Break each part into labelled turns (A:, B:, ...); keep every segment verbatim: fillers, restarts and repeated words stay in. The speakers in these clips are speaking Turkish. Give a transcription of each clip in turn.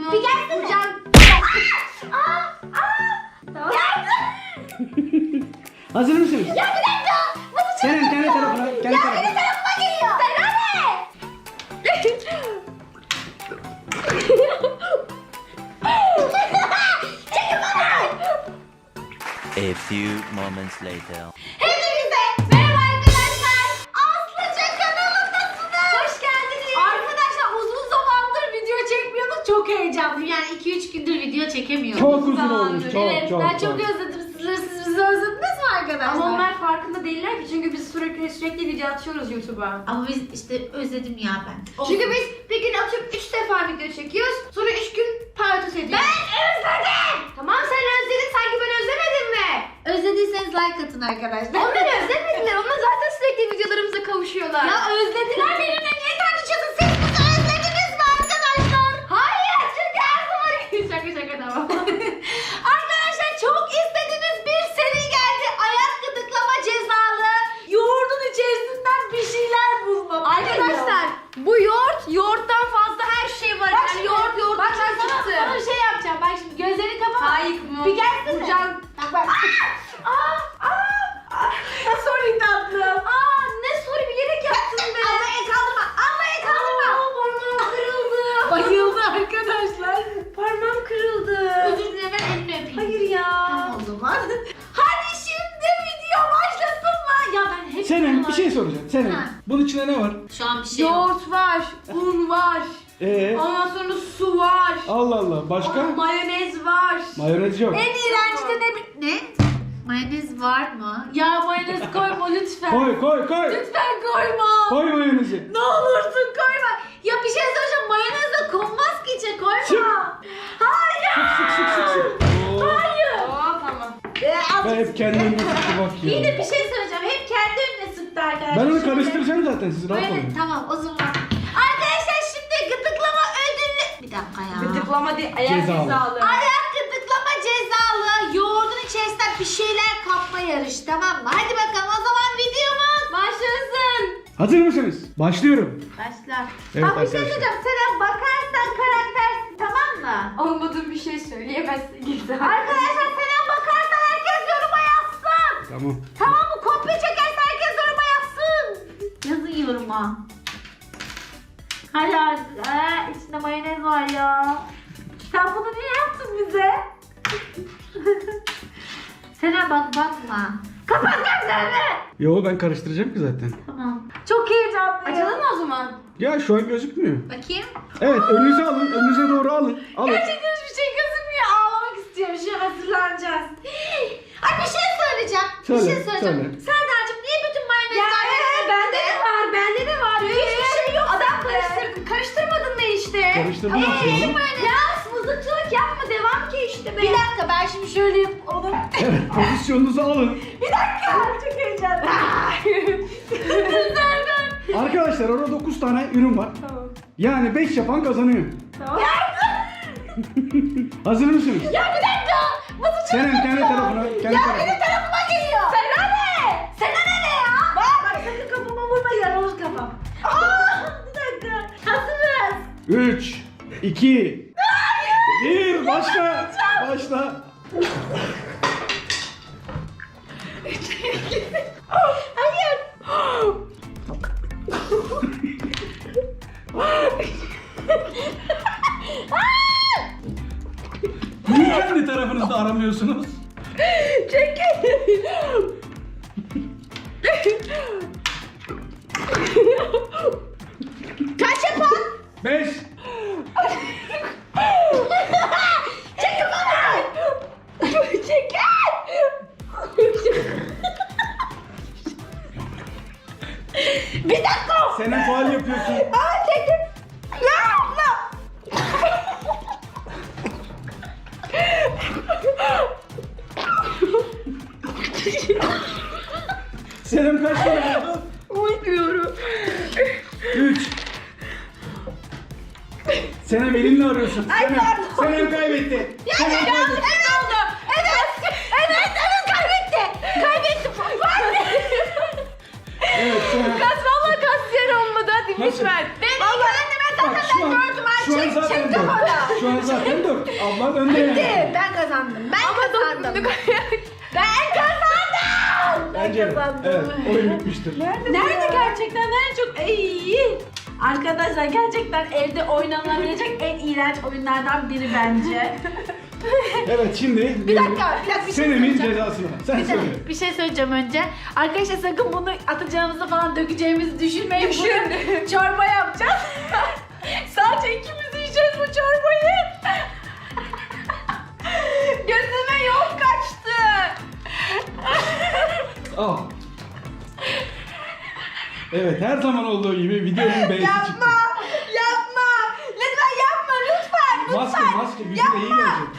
A: yok.
B: Bir gelsene.
A: Vuracağım.
B: Aa! Aa!
A: Tamam.
C: Hazır mısınız?
B: Ya bir dakika. Nasıl
C: Senin
B: çabuk
C: kendi
B: ya?
C: tarafına, kendi
B: Ya
C: tarafına.
B: benim tarafıma geliyor. Sana ne? Çekil bana.
D: A few moments later.
B: Hepinize merhaba arkadaşlar. Aslıca kanalındasınız. Hoş geldiniz.
A: Arkadaşlar uzun zamandır video çekmiyorduk. Çok heyecanlıyım. Yani iki üç gündür video çekemiyorduk.
C: Çok uzun
A: Zamandır.
C: olmuş, çok,
A: Evet,
C: çok,
A: ben
C: çok.
A: çok özledim sizleri. Siz bizi özlediniz mi arkadaşlar?
E: Ama onlar farkında değiller ki çünkü biz sürekli sürekli video atıyoruz YouTube'a.
A: Ama biz işte özledim ya ben.
E: Çünkü biz bir gün atıp üç defa video çekiyoruz. Sonra üç gün paydos ediyoruz.
B: Ben özledim.
E: Tamam sen özledin, sanki ben özlemedim mi?
A: Özlediyseniz like atın arkadaşlar.
E: Onlar özlemediler. Onlar zaten sürekli videolarımıza kavuşuyorlar.
A: Ya özlediler benimle. Niye tartışıyorsun? Siz bizi özlediniz mi arkadaşlar?
E: Hayır, çünkü her zaman şaka şaka tamam.
A: Arkadaşlar çok istediğiniz bir seri geldi. Ayak gıdıklama cezalı. Yoğurdun içerisinden bir şeyler bulmam.
E: Arkadaşlar bu yoğurt, yoğurttan fazla her şey var.
A: Bak
E: yani
A: şimdi,
E: yoğurt yoğurt
A: bak şimdi sana, sana şey yapacağım. Bak şimdi gözlerini kapa.
E: Hayır mı?
A: Bir gelsene.
E: Vuracağım.
A: Bak bak. Aa, aa, aa. Sorry tatlım.
E: Aa ne soru bilerek yaptın be.
A: Allah'a kaldırma. Allah'a kaldırma.
E: Aa, parmağım kırıldı.
A: Bayıldı arkadaşlar.
E: Parmağım kırıldı.
A: Özür dilerim, ben elini öpeyim.
E: Hayır ya.
A: Tamam o zaman. Hadi şimdi video başlasın mı? Ya ben hep
C: Senin bir şey soracağım. Senin.
A: Ha.
C: Bunun içinde ne var?
A: Şu an bir şey yok.
E: Yoğurt var, un var.
C: Ee,
E: Ondan sonra su var.
C: Allah Allah. Başka?
E: Mayonez var.
C: Mayonez yok.
A: En iğrenci de ne? bi- Ne? Mayonez var mı? Ya mayonez koyma lütfen.
C: Koy koy koy.
A: Lütfen koyma.
C: Koy mayonezi.
A: Ne olursun koyma. Ya bir şey söyleyeceğim. Mayonez de konmaz ki içe koyma.
C: Sık.
A: Hayır.
C: Sık sık sık sık. Oo.
A: Hayır.
E: Aa tamam.
A: Ee,
C: Ben
A: azıcık
C: hep kendi önüme sıktı bak
A: İyi de
C: ya.
A: bir şey söyleyeceğim. Hep kendi önüne sıktı arkadaşlar.
C: Ben onu
A: Şimdi-
C: karıştıracağım zaten, siz rahat
A: Böyle
C: olun.
A: tamam o zaman. Arkadaşlar şimdi gıdıklama ödüllü. Bir dakika ya.
E: Gıdıklama değil, ayak
C: Cezalı.
E: cezalı.
A: Ayak gıdıklama cezalı. Yoğurdun içerisinden bir şeyler kapma yarışı, tamam mı? Hadi bakalım o zaman videomuz
E: Başlasın.
C: Hazır mısınız? Başlıyorum.
A: başlar.
C: Evet
A: Bak bir şey
C: arkadaşlar.
A: söyleyeceğim. Sen bakarsan karaktersin, tamam mı?
E: Olmadığım bir şey söyleyemezsin. Git.
A: Arkadaşlar sen bakarsan herkes yoruma yazsın.
C: Tamam.
A: Tamam mı? Kopya çekerse herkes yoruma yazsın. Yazın yoruma. Hadi hadi. Ee, içinde mayonez var ya. Sen bunu niye yaptın bize? Sena bak bakma. Kapat gözlerini.
C: Yo, ben karıştıracağım ki zaten.
A: Tamam. Çok heyecanlıyım.
E: Açalım mı o zaman?
C: Ya şu an gözükmüyor.
A: Bakayım.
C: Evet, önünüze alın. Önünüze doğru alın. Alın.
A: Gerçekten hiçbir şey gözükmüyor. Ağlamak istiyorum. Şu an hazırlanacağız. Ay bir şey söyleyeceğim.
C: Söyle,
A: bir şey söyleyeceğim.
C: söyle.
A: Serdar'cığım niye bütün
E: Ya
A: mayonezler
E: evet, bende de var, bende de var.
A: Hiçbir şey yok
E: Adam
A: sende.
E: karıştır, karıştırmadın da işte.
C: Karıştırdım
A: Ee,
C: aslında.
E: Ya mızıkçılık yapma, devam ki işte be.
A: Bir dakika ben şimdi şöyle yap onu.
C: Evet, pozisyonunuzu alın.
A: Bir dakika. Çok heyecanlıyım. Serdar.
C: Arkadaşlar orada dokuz tane ürün var.
E: Tamam.
C: Yani beş yapan kazanıyor.
E: Tamam.
C: Hazır mısınız?
A: Ya bir dakika. Nasıl
C: Senin kendi tarafına, kendi
A: Ya
C: tarafına.
A: benim tarafıma geliyor. Sana ne? Sana ne ne ya? Bak. Bak sakın kafama vurma, yaralır kafam. Aa, bir dakika. Hazırız.
C: üç, iki, bir, başla. Başla.
A: Hayır.
C: Niye kendi tarafınızda aramıyorsunuz?
A: Kaç yapalım?
C: beş.
A: Çekil bana. Çekil. Bir dakika.
C: Senin faal yapıyorsun.
A: Aa çekil. Ya abla.
C: Senin kaç tane oldu?
E: Uymuyorum.
C: üç. Senem elinle arıyorsun. Senem,
A: pardon.
C: Senem kaybetti.
A: Ya
C: Senem
A: ya,
C: kaybetti.
A: evet oldu. Evet. Evet evet kaybetti. Kaybetti.
C: Evet, Senem.
E: Kas valla kas yer olmadı, hadi
C: Nasıl?
E: lütfen.
A: Ben vallahi anneme
C: Bak,
A: zaten
C: şu an-
A: ben gördüm.
C: şu an
A: Ay çek
C: zaten
A: çek
C: gördüm.
A: kafana.
C: Şu an zaten dört. Ablan önde yani.
E: Ben kazandım. Ben kazandım. Ben kazandım.
C: Bence evet.
A: kazandım.
C: Evet, oyun bitmiştir.
A: Nerede gerçekten en çok iyi? Arkadaşlar gerçekten evde oynanabilecek en iğrenç oyunlardan biri bence.
C: Evet, şimdi
E: Bir dakika, bir dakika bir şey
C: Senemin
E: söyleyeceğim.
C: cezasını. Sen söyle.
A: Bir şey söyleyeceğim önce. Arkadaşlar sakın bunu atacağımızı falan dökeceğimizi düşünmeyin. Bunu çorba yapacağız. Sadece ikimiz yiyeceğiz bu çorbayı. Gözüme yol kaçtı.
C: Al. Evet, her zaman olduğu gibi videonun B'si çıktı.
E: Yapma, yapma. Lütfen yapma, lütfen, lütfen.
C: Maske, maske. Yüzüne iyi gelecek.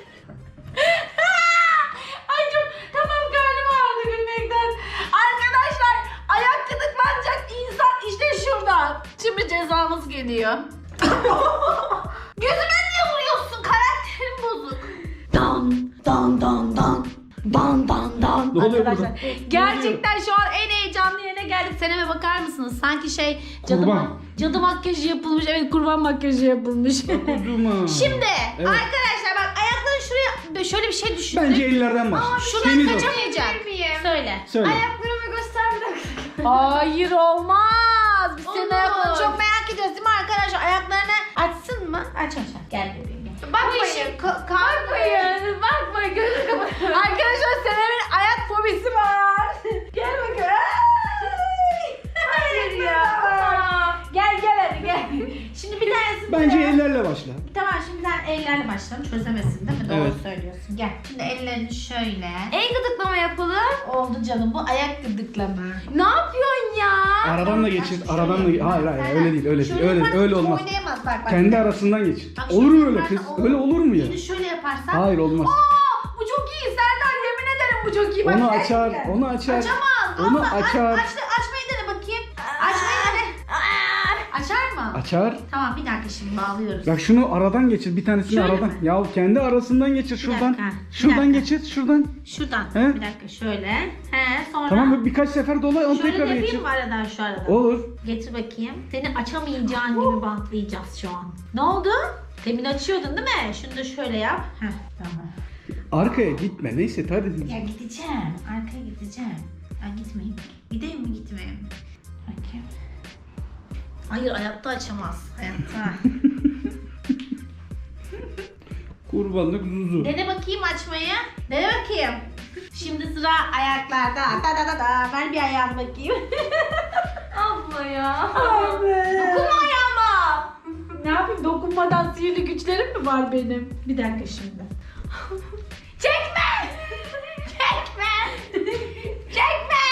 A: Ay çok tamam karnım ağrıdı gülmekten. Arkadaşlar ayak gıdıklanacak insan işte şurada. Şimdi cezamız geliyor.
B: Gözüme niye vuruyorsun? Karakterim bozuk.
A: Dan dan dan dan. Dan dan dan.
C: Ne oluyor
A: Arkadaşlar
C: burada?
A: gerçekten şu an en heyecanlı yerine geldik. Seneme bakar mısınız? Sanki şey cadı,
C: Kurban.
A: ma- cadı makyajı yapılmış. Evet kurban makyajı yapılmış.
C: Kuzuma.
B: Şimdi
C: Evet.
B: arkadaşlar bak ayakları şuraya şöyle bir şey düşündüm.
C: Bence ellerden başla.
B: Şuradan
C: Temiz ol.
B: kaçamayacak.
A: Söyle.
C: Söyle.
B: Ayaklarımı göster bir dakika.
A: Hayır olmaz. Biz senin
B: Olur.
A: ayaklarını çok
B: Çok merak ediyoruz değil mi arkadaşlar? Ayaklarını açsın mı? Aç aç. Gel bebeğim gel.
E: Bakmayın. Ka-
A: Bakmayın, bakmayın, gözünü kapatın. Arkadaşlar Senem'in ayak fobisi var. Gel bakalım. Ay! Hayır ya. Gel gel hadi gel. Şimdi bir tanesi
C: Bence
A: buraya.
C: ellerle başla.
A: Tamam şimdi sen ellerle başlayalım. Çözemesin değil mi? Doğru
C: Evet.
A: söylüyorsun. Gel.
B: Şimdi ellerini şöyle.
A: El gıdıklama yapalım. Oldu canım bu ayak gıdıklama. Ne yapıyorsun ya?
C: Aradan da geçir. Aradan da ge- Hayır hayır
B: Sen-
C: öyle değil öyle değil.
B: şöyle
C: Öyle
B: yaparsan
C: öyle olmaz.
B: Oynayamaz bak bak.
C: Kendi arasından geçir.
B: Bak
C: Olur mu
B: şöyle
C: öyle
B: yaparsan
C: kız?
B: olur.
C: Öyle olur mu ya?
B: Şimdi şöyle yaparsan.
C: Hayır olmaz.
A: Aa, bu çok iyi Serdar yemin ederim bu çok iyi. Bak,
C: Onu
A: gerçekten.
C: açar, onu açar.
B: Açamaz.
C: Onu
B: Allah, aç-
C: açar.
B: Aç, açmayı dene bakayım. Açmayı dene. Açar mı?
C: Açar.
B: Tamam bir dakika şimdi bağlıyoruz.
C: Bak şunu aradan geçir. Bir tanesini
A: Şöyle
C: aradan.
A: mi?
C: Ya kendi arasından geçir şuradan.
A: dakika, bir
C: Şuradan
A: dakika.
C: geçir şuradan.
A: Şuradan.
C: He?
A: Bir dakika şöyle. He sonra.
C: Tamam birkaç sefer dola onu
A: Şöyle
C: tekrar
A: yapayım
C: geçir.
A: mı aradan şu aradan?
C: Olur.
A: Getir bakayım. Seni açamayacağın gibi bantlayacağız şu an. Ne oldu? Demin açıyordun değil mi? Şunu da şöyle yap. Heh, tamam.
C: Arkaya gitme. Neyse hadi.
B: Ya gideceğim. Arkaya gideceğim. Ben gitmeyeyim. Gideyim mi gitmeyeyim mi? Bakayım.
A: Hayır hayatta açamaz. Hayatta.
C: Kurbanlık zuzu.
A: Dene bakayım açmayı. Dene bakayım. Şimdi sıra ayaklarda. Da da da da. Ver bir ayağını bakayım.
B: Abla ya.
A: Dokunma ayağıma. Ne yapayım? Dokunmadan sihirli güçlerim mi var benim? Bir dakika şimdi.
B: Çekme! Çekme! Çekme!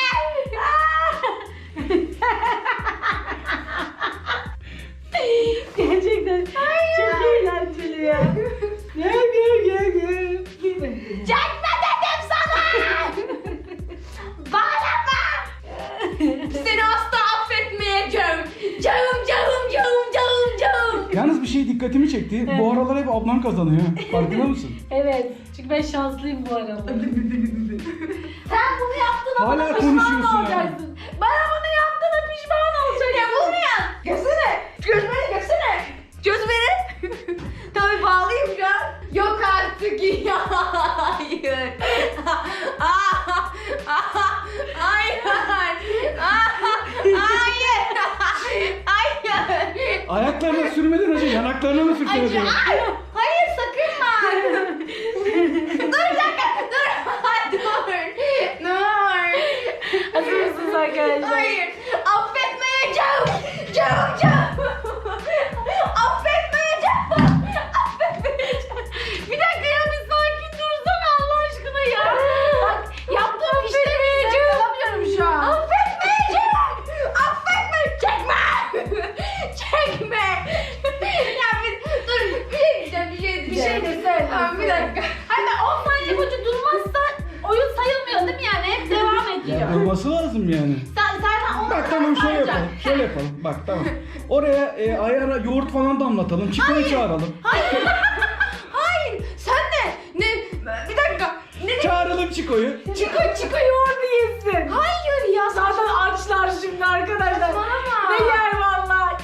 A: Gerçekten çok eğlenceli ya. Gel gel gel gel.
B: Çekme dedim sana! Bağlama! Seni asla affetmeyeceğim. Canım canım canım canım canım.
C: Yalnız bir şey dikkatimi çekti. Bu aralar hep ablan kazanıyor. Farkında mısın?
A: Evet. Çünkü ben şanslıyım bu arada.
B: Sen bunu yaptın ama
C: Hala konuşuyorsun ya.
A: olacaksın. Bana bunu yaptığına pişman olacaksın.
B: ya bunu ya. Gözüne. Gözüne gözüne. Gözüne. Tabii bağlıyım şu an. Yok artık ya. Hayır. Ah, ah, hayır. Ah, hayır. Hayır.
C: Ayaklarına sürmeden önce yanaklarına mı sürsene?
B: Hayır. Hayır sakın var. Dur bir dakika. Dur. Dur. Dur.
A: Hazır mısınız arkadaşlar?
B: Hayır. Affetmeyeceğim. Canım canım. Affetmeyeceğim. Affetmeyeceğim.
A: Bir dakika ya bir sakin dursana Allah aşkına ya. Bak yaptığım işleri yakalamıyorum şu an.
B: Affetmeyeceğim. Affetme. Çekme. Çekme. Ya bir dur. Bir şey diyeceğim. Bir şey
A: Bir
B: diyeceğim.
A: şey de söyle.
B: Tamam bir dakika.
A: Hatta on saniye boyunca durmazsa oyun sayılmıyor değil mi yani? Hep devam ediyor.
C: Ya durması lazım yani.
A: Sen zaten onu
C: Bak tamam şöyle
A: sayacak.
C: yapalım. Şöyle yapalım. Bak tamam. Oraya e, ayara yoğurt falan damlatalım. Çiko'yu çağıralım.
B: Hayır. Sen ne? Ne? Bir dakika. Ne?
C: Çağıralım Çiko'yu.
A: Çiko çiko yoğurdu yesin.
B: Hayır ya.
A: Zaten açlar şimdi arkadaşlar.
B: Saçmalama.
A: Ne yer valla.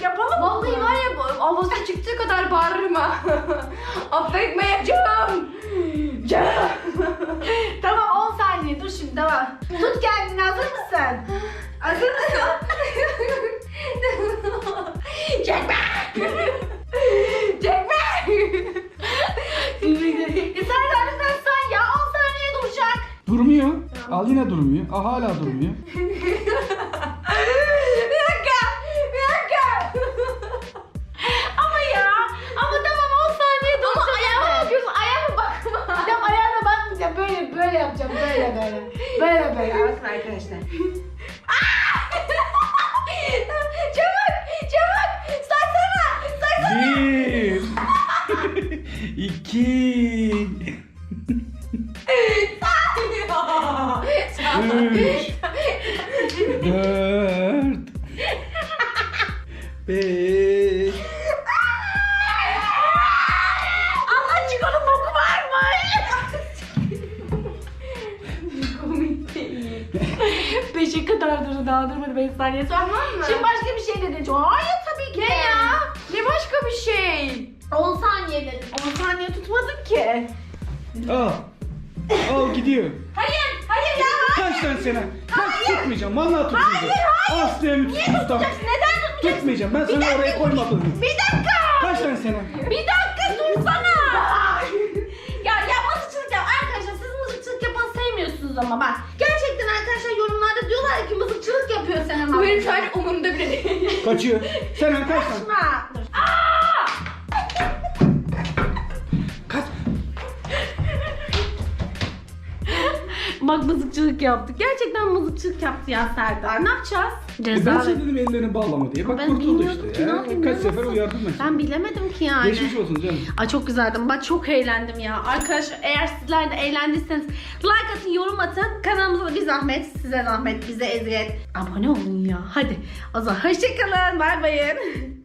A: Yapalım mı?
E: Vallahi var ya bu avazı çıktığı kadar bağırırım ha.
A: Affetmeyeceğim. Canım. Tamam on saniye dur şimdi tamam. Tut kendini hazır mısın?
E: Hazır mısın?
A: Çekme. Çekme. ya sen de lütfen sen ya on saniye duracak.
C: Durmuyor. Al yine durmuyor. Aa, hala durmuyor.
A: Bir dakika. Bir dakika. ama ya. Ama tamam on saniye duracak.
E: Ama ayağıma bakıyorsun, ayağıma bakma.
A: Tamam ayağına bakmayacağım. Böyle böyle yapacağım. Böyle böyle. Böyle böyle. Bakın arkadaşlar.
E: Çabuk, çabuk. Saksana, saksana.
C: Bir. İki. Üç. Dört. Beş.
A: Allah çıkanın boku var mı?
E: Komik değil.
A: Beşe kadar durdu daha durmadı beş saniye sonra.
E: Tamam mı?
A: Şimdi başka bir şey dedin. Hayır tabii ki.
E: Ne ya? Ne başka bir şey?
A: on saniye dedim. on saniye tutmadın ki.
C: Al. Al gidiyor.
A: Hayır, hayır ya.
C: Kaç tane sene? Kaç tutmayacağım. Vallahi tutmayacağım. Aslı'ya müthiş ustam.
A: Neden tutmayacaksın?
C: Tutmayacağım. Ben sana
A: dakika.
C: oraya koymadım.
A: Bir dakika.
C: Kaç tane sene?
A: Bir dakika dursana. ya ya mızıkçılık yap. Arkadaşlar siz mızıkçılık yapanı sevmiyorsunuz ama bak. Gerçekten arkadaşlar yorumlarda diyorlar ki mızıkçılık yapıyor Senem
E: Bu
A: abla.
E: benim şu an umurumda bile değil.
C: Kaçıyor. Senen kaç tane?
A: Kaçma. Dur.
C: Kaç?
A: Bak mızıkçılık yaptık. Gerçekten mızıkçılık yaptı ya Serdar. Ne yapacağız?
C: E ben sana dedim ellerini bağlama diye. Bak
A: Ben
C: kurtuldu
A: bilmiyordum
C: işte.
A: ki, ne
C: Ya.
A: yapayım,
C: Kaç
A: ne
C: sefer
A: nasıl?
C: uyardım ben seni.
A: Ben bilemedim ki yani.
C: Geçmiş olsun canım.
A: Ay çok güzeldim. Ben çok eğlendim ya. Arkadaşlar eğer sizler de eğlendiyseniz like atın, yorum atın. Kanalımıza da bir zahmet, size zahmet, bize eziyet. Abone olun ya. Hadi. O zaman hoşçakalın. Bay bayın.